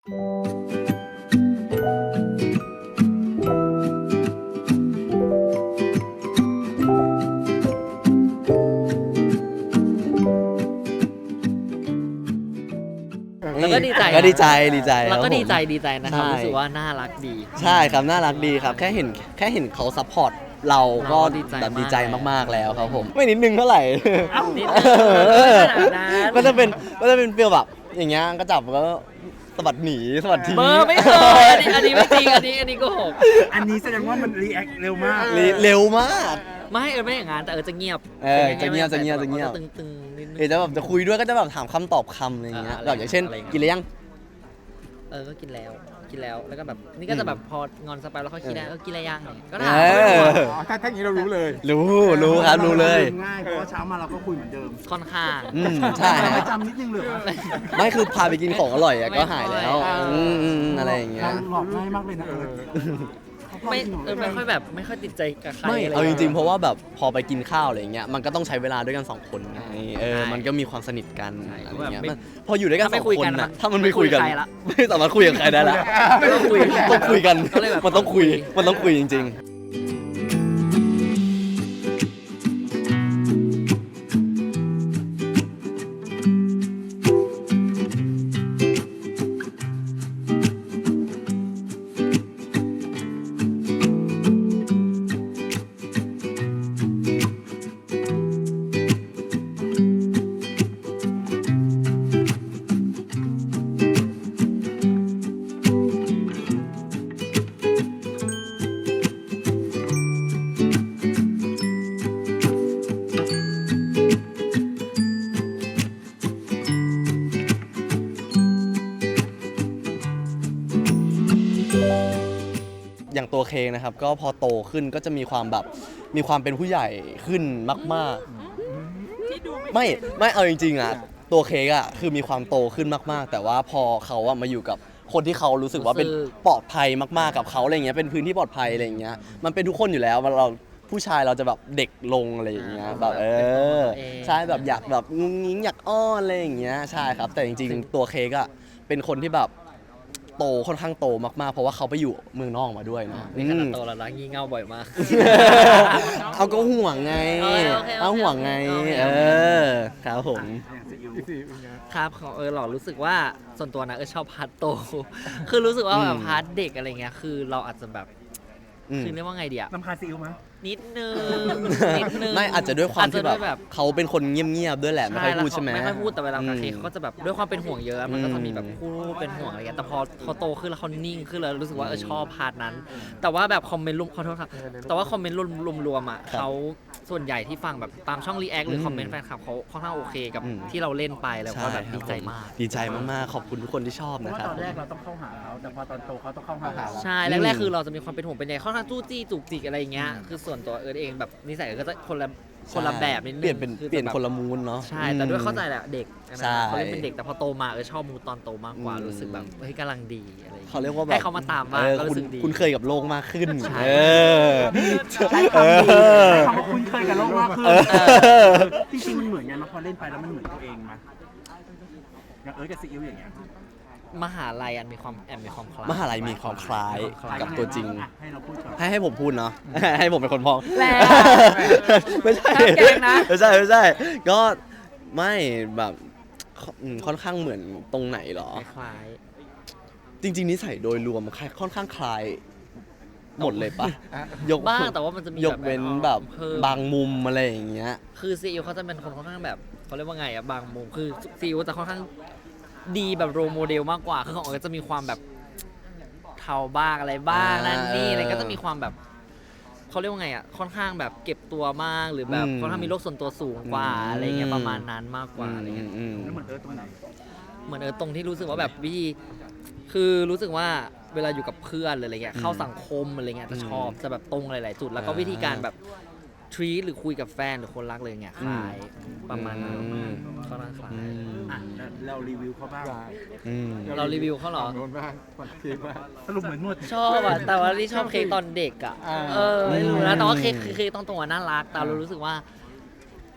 แล้วก็ดีใจก็ดีใจแล้วก็ดีใจครับผมดีใจนะครับใช่รู้สึกว่าน่ารักดีใช่ครับน่ารักดีครับแค่เห็นเขาซัพพอร์ตเราก็เราก็ดีใจแบบดีใจมากมากๆแล้วครับผมไม่นิดนึงเท่าไหร่นิดนึงไม่ขนาดนั้นก็จะเป็นฟีลแบบอย่างเงี้ยก็จับแล้วก็สะบัดหนีสะบัดทิ้งเบอร์ไม่เคยอันนี้ไม่จริงอันนี้โกหกอันนี้แสดงว่ามันรีแอคเร็วมากเร็วมากไม่อย่างนั้นแต่จะเงียบจะเงียบตึงนิดนึงเดี๋ยวจะแบบจะคุยด้วยก็จะแบบถามคำตอบคำอะไรอย่างเงี้ยแบบอย่างเช่นอะไรอย่างเงี้ยกินหรือยังก็กินแล้วแล้วก็แบบนี่ก็จะแบบพองอนสไปแล้วเขาคิดได้กินอะไรยังก็ถามถ้าอย่างนี้เรารู้เลยรู้ครับรู้เลยง่ายเพราะว่าเช้ามาเราก็คุยเหมือนเดิมค่อนข้างใช่ไม่จำนิดนึงเลยไม่คือพาไปกินของอร่อยอะก็หายแล้วไม่ค่อยอะไรอย่างเงี้ยเราหลอกง่ายมากเลยนะไม่ค่อยแบบไม่ค่อยติดใจกับใครไม่ะไรเอาจริงๆเพราะว่าแบบพอไปกินข้าวอะไรอย่างเงี้ยมันก็ต้องใช้เวลาด้วยกันสองคนไงมันก็มีความสนิทกันอะไรอย่างเงี้ยพออยู่ด้วยกันสองคนน่ะถ้ามันไม่คุยกันไม่สามารถคุยกับใครได้ละต้องคุยต้องคุยกันก็เลยแบบมันต้องคุยจริงๆอย่างตัวเคงนะครับก็พอโตขึ้นก็จะมีความเป็นผู้ใหญ่ขึ้นมากๆไม่เอาจริงๆอ่ะตัวเคกอ่ะคือมีความโตขึ้นมากๆแต่ว่าพอเขาอะมาอยู่กับคนที่เขารู้สึกว่าเป็นปลอดภัยมากๆกับเขาอะไรเงี้ยเป็นพื้นที่ปลอดภัยอะไรเงี้ยมันเป็นทุกคนอยู่แล้วเราผู้ชายเราจะแบบเด็กลงอะไรอย่างเงี้ยแบบใช่แบบอยากแบบงุ้งงิ้งอยากอ้อนอะไรอย่างเงี้ยใช่ครับแต่จริงๆตัวเคกอ่ะเป็นคนที่แบบโตค่อนข้างโตมากๆเพราะว่าเขาไปอยู่เมืองนอกมาด้วยเนาะนี่ขนาดโตแล้วนะงี่เง่าบ่อยมากเอาก็ห่วงไงโอเคเอาห่วงไงโอเคครับผมครับของหล่อรู้สึกว่าส่วนตัวนะชอบพาร์ทโต คือรู้สึกว่าแบบพาร์ทเด็กอะไรเงี้ยคือเราอาจจะแบบคือเรียกว่าไงเดียน้ำคาซีอิ๊วมั้ยนิดนึงไม่อาจจะด้วยความที่อาจจะด้วยแบบเขาเป็นคนเงียบๆด้วยแหละไม่ค่อยพูดใช่ไหมไม่ค่อยพูดแต่เวลากับเคเขาก็จะแบบด้วยความเป็นห่วงเยอะมันก็จะมีแบบพูดเป็นห่วงอะไรเงี้ยแต่พอเขาโตขึ้นแล้วเขานิ่งขึ้นแล้วรู้สึกว่าชอบพาร์ทนั้น แต่ว่าแบบคอมเมนต์ขอโทษครับแต่ว่าคอมเมนต์รวมๆอ่ะเขาส่วนใหญ่ที่ฟังแบบตามช่องรีแอคหรือคอมเมนต์แฟนคลับเขาค่อนข้างโอเคกับที่เราเล่นไปแล้วก็แบบดีใจมากดีใจมากๆขอบคุณทุกคนที่ชอบเพราะนะว่าครับตอนแรกเราต้องเข้าหาเขาแต่พอตอนโตเขาต้องเข้าหาเราใช่แรกๆคือเราจะมีความเป็นห่วงเป็นใยค่อนข้างจู้จี้จุกจิกอะไรอย่างเงี้ยคือส่วนตัวเองแบบนิสัยก็จะคนละแบบนิดนึงเปลี่ยนคนละมูนเนาะใช่แต่ด้วยเข้าใจแหละเด็กใช่เขาเล่นเป็นเด็กแต่พอโตมาชอบมูตอนโตมากกว่ารู้สึกแบบเฮ้ยกำลังดีอะไรอย่างเงี้ยเขาเรียกว่าแบบให้เขามาตามบ้างก็รู้สึกดีคุณเคยกับโลกมากขึ้นใช่ใช้คำดีใช้คำว่าคุ้นเคยกับโลกมากขึ้นจริงๆมันเหมือนกันนะพอเล่นไปแล้วมันเหมือนตัวเองมั้ยอย่างกับซีอิ๊วอย่างเงี้ยมหาลัยมีความคล้ายมหาลัยมีความคล้ายกับตัวจริงให้เราพูดก่อนให้ผมพูดเนาะ ให้ผมเป็นคนพ้องแล้วไม่ใช่ห้ามเก่งนะไม่ใช่ ก็ไม่แบบค่อนข้างเหมือนตรงไหนหรอคล้ายจริงๆนิสัยโดยรวมค่อนข้างคล้ายหมดเลยปะบ้างแต่ว่ามันจะมียกเว้นแบบเพิ่มบางมุมอะไรอย่างเงี้ยคือซีอิ๊วเขาจะเป็นคนค่อนข้างแบบเขาเรียกว่าไงอะบางมุมคือซีอิ๊วจะค่อนข้างดีแบบโรโมเดลมากกว่าคือของก็จะมีความแบบเทาบ้างอะไรบ้างนั่นนี่อะไรก็จะมีความแบบเขาเรียกว่าไงอะค่อนข้างแบบเก็บตัวมากหรือแบบค่อนข้างมีโลกส่วนตัวสูงกว่าอะไรเงี้ยประมาณนั้นมากกว่าอะไรเงี้ยแล้วเหมือนตรงไหนเหมือนตรงที่รู้สึกว่าแบบวิธีคือรู้สึกว่าเวลาอยู่กับเพื่อนหรืออะไรเงี้ยเข้าสังคมอะไรเงี้ยจะชอบจะแบบตรงหลายๆจุดแล้วก็วิธีการแบบทรีตหรือคุยกับแฟนหรือคนรักเลยเงี้ยคล้ายประมาณนั้นค่อนข้างคล้ายอ่ะเรารีวิวเขาบ้างเรารีวิวเขาเหรอสรุปเหมือนนวดชอบอ่ะแต่ว่าที่ชอบเค้กตอนเด็กอ่ะไม่รู้นะแต่ว่าเค้กต้องตัวน่ารักแต่เรารู้สึกว่า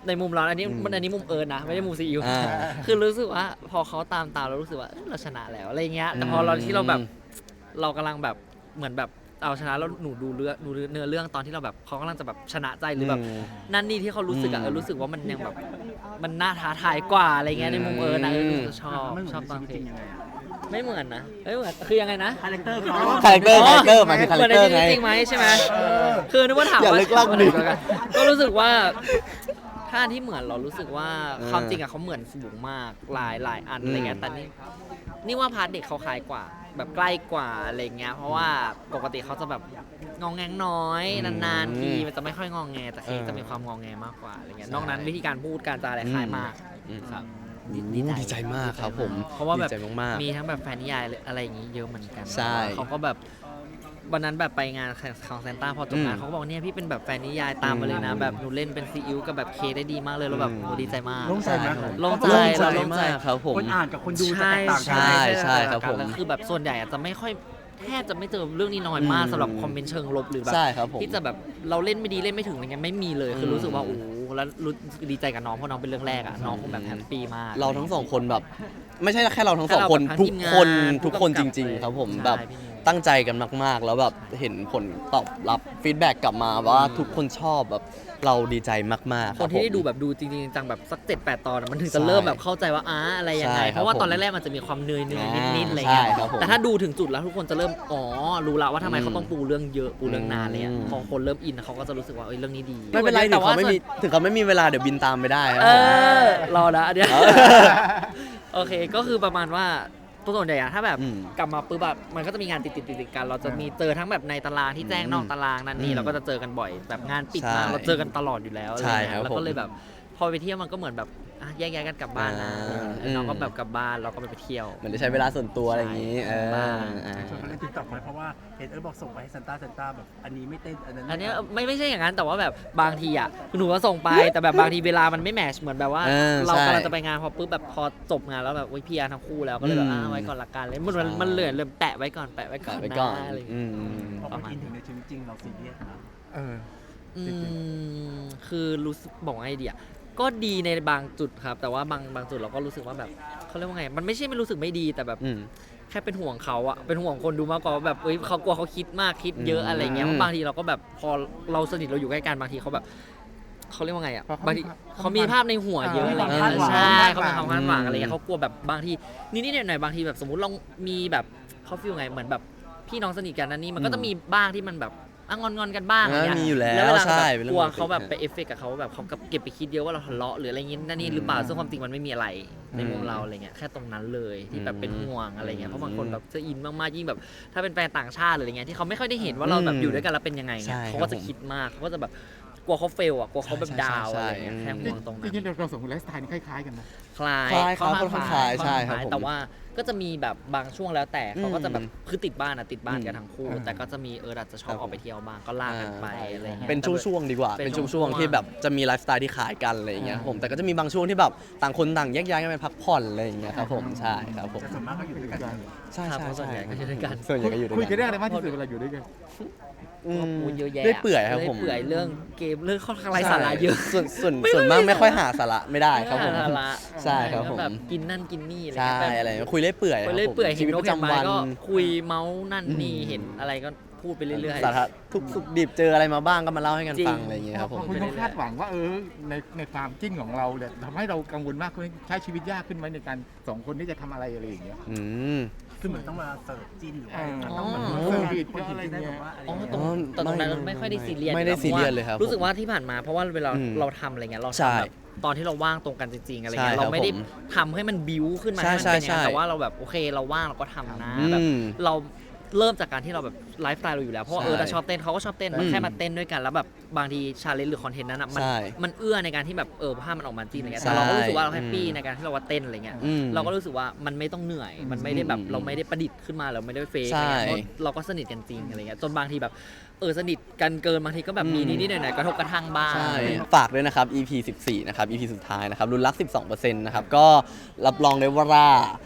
ในมุมเราอันนี้มุมเอิร์นนะไม่ได้มุมซีอิ๊วอ่าคือรู้สึกว่าพอเขาตามเรารู้สึกว่าเราชนะแล้วอะไรเงี้ยแต่พอเราที่เราแบบเรากำลังแบบเหมือนแบบเอาชนะแล้วหนูดูเนื้อเรื่องตอนที่เราแบบเขากำลังจะแบบชนะใจหรือแบบนั่นนี่ที่เขารู้สึกอะรู้สึกว่ามันยังแบบมันน่าท้าทายกว่าอะไรเงี้ยในมุมเอิร์นนะรู้สึกชอบมันเหมืชออน บในตอนชีวิตเพลจริงงยังไงอะไม่เหมือนนะไม่เหมือนคือยังไงนะคาแรคเตอร์เขาคาแรคเตอร์หมายถึงคาเหแรมืคอนเตอร์ไงในจริงไหมใช่ไหมคือนึกว่าถามอย่าว่าลึกลั่นดิก็รู้สึกว่าถ้าที่เหมือนเรารู้สึกว่าความจริงอะเขาเหมือนสูงมากหลายอันอะไรเงี้ยแต่นี่ว่าพาร์ทเด็กเขาคล้ายกว่าแบบใกล้กว่าอะไรเงี้ยเพราะว่าปกติเขาจะแบบงองแงงน้อยนานๆทีมันจะไม่ค่อยงองแงแต่เค้กจะมีความงองแงมากกว่าอะไรเงี้ยนอกนั้นวิธีการพูดการจาอะไรคล้ายมากครับดีใจมากครับผมเพราะว่าแบบดีใจมากๆมีทั้งแบบแฟนนิยายอะไรอย่างงี้เยอะเหมือนกันใช่เขาก็แบบวันนั้นแบบไปงานของเซนต้าพอจบงานเขาก็บอกเนี่ยพี่เป็นแบบแฟนนิยายตามมาเลยนะแบบหนูเล่นเป็นซีอิ๊วกับแบบเคได้ดีมากเลยแล้วแบบโหดีใจมากโล่งใจไหมโล่งใจโล่งใจโล่งใจมากครับผมคนอ่านกับคนดูจะใช่แตกต่างกันใช่ครับผมแล้วคือแบบส่วนใหญ่อาจจะไม่ค่อยแทบจะไม่เจอเรื่องนี้น้อยมากสำหรับคอมเมนต์เชิงลบหรือแบบใช่ครับผมที่จะแบบเราเล่นไม่ดีเล่นไม่ถึงอะไรเงี้ยไม่มีเลยคือรู้สึกว่าโอ้โหแล้วรู้ดีใจกับน้องเพราะน้องเป็นเรื่องแรกอ่ะน้องคงแบบแฮปปี้มากเราทั้งสองคนแบบ ไม่ใช่แค่เราทั้งสองแค่เราคนแบบทั้งทุทีกมงานคนผู้ทุกคนกำจกับริง ๆ ครับผมใช่แบบพี่นิวตั้งใจกันมาก ๆ แล้วแบบเห็นผลตอบรับฟีดแบ็กกลับมาว่าทุกคนชอบแบบเราดีใจมากๆคนที่ได้รับผมดูแบบดูจริงๆจังแบบสัก7-8 ตอนอะมันถึงจะใช่เริ่มแบบเข้าใจว่าอะไรยังไงใช่ครับเพราะว่าตอนผมแรกๆมันจะมีความเนยนิดๆอะไรใช่เงี้ยครับผมแต่ถ้าดูถึงจุดแล้วทุกคนจะเริ่มรู้ละว่าทำไมเขาต้องปูเรื่องเยอะปูเรื่องนานเลยอะอืมพอคนเริ่มอินเขาก็จะรู้สึกว่าเรื่องนี้ดีไม่เป็นไรถึแต่งว่าเขาไม่มีถึงเขาไม่มีเวลาเดี๋ยวบินตามไปได้ครับเอผมรอนะอันเนี้ยเออโอเคก็คือประมาณว่าตัวส่วนใหญ่อะถ้าแบบอืมกลับมาปุ๊บแบบมันก็จะมีงานติดกัน เราจะมีเจอทั้งแบบในตารางที่แจ้งนอกตารางนั่นนี่เราก็จะเจอกันบ่อยแบบงานปิดมาใช่เราเจอกันตลอดอยู่แล้วอะไรใช่เงี้ครับยแล้วก็ผมเลยแบบพอไปเที่ยวมันก็เหมือนแบบแยกย้ายกันกลับบ้านนะ น้องก็แบบกลับบ้านเราก็ไปเที่ยวเหมือนได้ใช้เวลาส่วนตัวอะไรอย่างนี้ใช่บ้างส่วนเขาเล่นติ๊กต็อกไหมเพราะว่าเห็นบอกส่งไปให้ซันต้าแบบอันนี้ไม่เต้นอันนั้นอันเนี้ยไม่ใช่อย่างนั้นแต่ว่าแบบบางทีอ่ะหนูก็ส่งไปแต่แบบบางทีเวลามันไม่แมทช์เหมือนแบบว่า เราใช่กำลังจะไปงานพอปุ๊บแบบพอจบงานแล้วแบบพี่อาร์ทั้งคู่แล้วก็เลยแบบไว้ก่อนละกันเลยมันเหลือแปะไว้ก่อนไปก่อนนะอะไรอย่างอืเงี้ยมพอคนอินถึงในชีวิตจริงเราซีเรียสนะอืมคือรู้สึกบอกว่าไงดีอ่ะก็ดีในบางจุดครับ แต่ว่าบางจุดเราก็รู้สึกว่าแบบเขาเรียกว่าไง มันไม่ใช่ไม่รู้สึกไม่ดีแต่แบบอืมแค่เป็นห่วงเขาอะเป็นห่วงคนดูมากกว่าว่าแบบเขากลัวเขาคิดมากคิดเยอะอะไรเงี้ยอืมเพราะบางทีเราก็แบบพอเราสนิทเราอยู่ใกล้กันบางทีเขาแบบเขาเรียกว่าไงอะบางทีเขามีภาพในหัวเยอะอะไรเงี้ยใช่เขามีความคาดหวังอะไรเงี้ยเขากลัวแบบบางทีนิดๆหน่อยๆบางทีแบบสมมติเรามีแบบเขาฟีลไงเหมือนแบบพี่น้องสนิทกันนั่นนี่มันก็จะมีบ้างที่มันแบบงอนกันบ้างอะไรเงี้ยมีอยู่แล้วแล้วเวลาใช่แบบเป็นกเรื่องลัวปกติเขาแบบไปเอฟเฟกต์กับเขาแบบเขาเก็บไปคิดเยอะว่าเราทะเลาะหรืออะไรเงี้ยนั่นนี่หรือเปล่าซึ่งความจริงมันไม่มีอะไรในมุมเราอะไรเงี้ยแค่ตรงนั้นเลยที่แบบเป็นห่วงอะไรเงี้ยเพราะบางคนแบบจะอินมากๆยิ่งแบบถ้าเป็นแฟนต่างชาติหรืออะไรเงี้ยที่เขาไม่ค่อยได้เห็นว่าเราแบบอยู่ด้วยกันแล้วเป็นยังไงใช่เงี้ยเขาก็จะคิดมากเขาก็จะแบบกลัวเขาเฟลอ่ะกลัวเขาแบบใช่ดาวใช่อะไรเงี้ยใช่แค่ห่วงตรงจนั้นริงๆเราสองคนไลฟ์สไตล์นี่คล้ายๆกันนะคล้ายคล้ายครับค่อนข้างค่อนข้างคล้ายใช่ครับค่อนข้างผมแต่ว่าก็จะมีแบบบางช่วงแล้วแต่เขาก็จะแบบคือติดบ้านกันทั้งคู่อืมแต่ก็จะมีอาจจะชอบออกไปเที่ยวบ้างก็ลากกันไปอะไรเงี้ยเป็นช่วงๆดีกว่าเป็นเป็นช่ช่ววงงๆๆที่แบบจะมีไลฟ์สไตล์ที่ขายกันอะไรอย่างเงี้ยครับผมแต่ก็จะมีบางช่วงที่แบบต่างคนต่างแยกย้ายกันไปพักผ่อนอะไรอย่างเงี้ยครับผมใช่ครับผมแต่ส่วนมากก็อยู่ด้วยกันใช่ครับใช่เพราะส่วนใช่ใหญ่ก็อยู่ด้วยกันส่วนใหญ่ก็อยู่ด้วยคุยกันกันเรื่องอะไรมากที่สุดเวลาอยู่ด้วยกันอืมพูดเยอะแยะได้เปื่อยครับผมเปื่อยเรื่องเกมเรื่องค่อนข้างไร้สาระเยอะส่วนมากไม่ค่อยหาสาระไม่ได้ครับผมสาระใช่ครับผมแบบกินนั่นกินนี่อะไรใช่เงี้ยแบบอะไรคุยเรื่อยเปื่อยไปเรื่อยเปื่อยชีเห็นวิตนปกระเห็นจำไม้วันก็คุยเมาส์นั่นนี่เห็นอะไรก็พูดไปเรื่อยสาระทุกสุขดิบเจออะไรมาบ้างก็มาเล่าให้กันจริงฟังอะไรอย่างเงี้ยครับผมคุณต้องคาดหวังว่าในความจิ้นของเราเนี่ยทำให้เรากังวลมากขึ้นใช้ชีวิตยากขึ้นไหมในการสองคนที่จะทำอะไรอะไรอย่างเงี้ยอืมคือเหมือนต้องมาเสิร์ฟจิ้นหรือว่าอ๋อต้องเหมือนเสิร์ฟคนถึงจะได้แบบว่าอะไรๆอ๋อเงี้ยตรงแต่ตรงนั้นเราไม่ค่อยได้ซีเรียสไม่ได้ซีเรียสเลยครับรู้สึกว่าที่ผ่านมาเพราะว่าเวลาอืมเราทำอะไรเงี้ยเราใช่ทำแบบตอนที่เราว่างตรงกันจริงๆอะไรเงี้ยใช่ครับเราไม่ได้ผมทำให้มันบิ้วขึ้นมาใช่ให้มันเป็นอย่างนั้นใช่แต่ว่าเราแบบโอเคเราว่างเราก็ทำนะอืแบบมเราเริ่มจากการที่เราแบบไลฟ์สไตล์เราอยู่แล้วเพราะว่าใช่เราชอบเต้นเขาก็ชอบเต้นอืมแค่มาเต้นด้วยกันแล้วแบบบางทีชาเลนจ์หรือคอนเทนต์นั้นอ่ะมันใช่มันเอื้อในการที่แบบภาพมันออกมาจริงอะไรเงี้ยใช่แต่เราก็รู้สึกว่าเราแฮปปี้อืมในการที่เราว่าเต้นอะไรเงี้ยอืมเราก็รู้สึกว่ามันไม่ต้องเหนื่อย มันไม่ได้แบบอืมเราไม่ได้ประดิษฐ์ขึ้นมาเราไม่ได้เฟกใช่อะไรเงี้ยเพราะเราก็สนิทกันจริงอะไรเงี้ยจนบางทีแบบสนิทกันเกินบางทีก็แบบมีอืมนิดๆหน่อยๆกระทบกระทั่งบ้างใช่ฝากด้วยนะครับ EP 14 นะครับ EP สุดท้ายนะครับรุ่นรัก 12% นะครับ ก็รับรองได้ว่า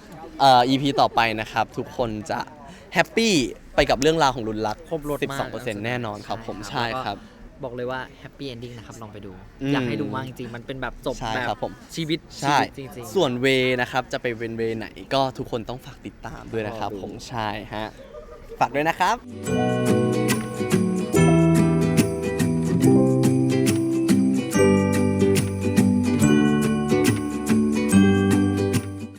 EP ต่อไปนะครับ ทุกคนจะแฮปปี้ไปกับเรื่องราวของรุ่นรักครบรถมาก 12%แน่นอนครับผมใช่ครับบอกเลยว่าแฮปปี้เอนดิ้งนะครับลองไปดูอืมอยากให้ดูมากจริงๆมันเป็นแบบจบใช่แบบครับผมชีวิตใช่จริงๆส่วนเวนะครับจะไปเป็นเวไหนก็ทุกคนต้องฝากติดตามด้วยนะครับรอดูผมใช่ฮะฝากด้วยนะครับ